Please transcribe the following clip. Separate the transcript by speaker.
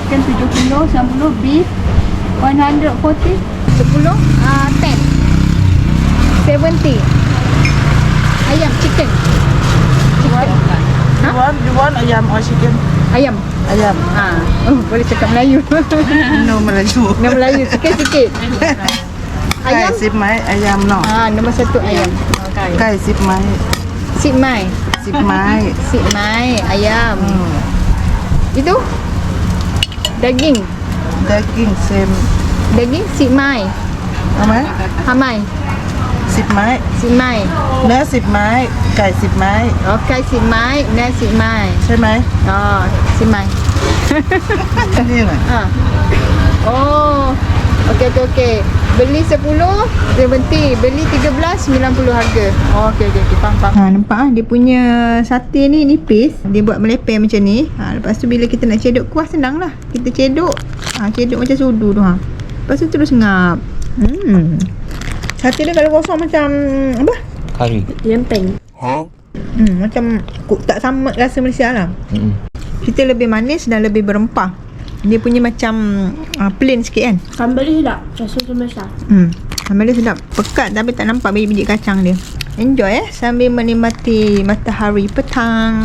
Speaker 1: chicken 70, 90, beef 140, 10, 70. Ayam, chicken.
Speaker 2: You want ayam or chicken?
Speaker 1: Ayam.
Speaker 2: Ayam.
Speaker 1: Boleh cakap Melayu.
Speaker 2: No Melayu.
Speaker 1: Nama Melayu sikit-sikit. Ayam.
Speaker 2: 10 ไม้ ayam no.
Speaker 1: Nombor 1 ayam.
Speaker 2: ไก่10 ไม้
Speaker 1: Sip mai.
Speaker 2: 10 ไม้
Speaker 1: Sip mai ayam. Itu daging.
Speaker 2: daging same
Speaker 1: Daging sip mai.
Speaker 2: เอาไหม
Speaker 1: Hamai.
Speaker 2: 10 ไม้
Speaker 1: Sip mai.
Speaker 2: เนื้อ10 ไม้ไก่10 ไม้
Speaker 1: Okay, sip mai, nasi sip mai.
Speaker 2: ใช่ไหม
Speaker 1: Sip mai.
Speaker 2: นี่แหละ
Speaker 1: Oh. Okey. Beli 10, 70. Beli 13, 90 harga. Okey. Faham. Nampak dia punya sate ni nipis. Dia buat melepeh macam ni. Lepas tu bila kita nak cedok kuah senang lah. Kita cedok. Cedok macam sudu tu. Lepas tu terus ngap. Sate dia kalau kosong macam apa?
Speaker 3: Kari.
Speaker 1: Lempeng. Macam tak sama rasa Malaysia lah. Kita lebih manis dan lebih berempah. Dia punya macam plain sikit kan.
Speaker 4: Sambal dia sedap. Rasa sambal besar.
Speaker 1: Sambal dia sedap. Pekat tapi tak nampak biji-biji kacang dia. Enjoy sambil menikmati matahari petang.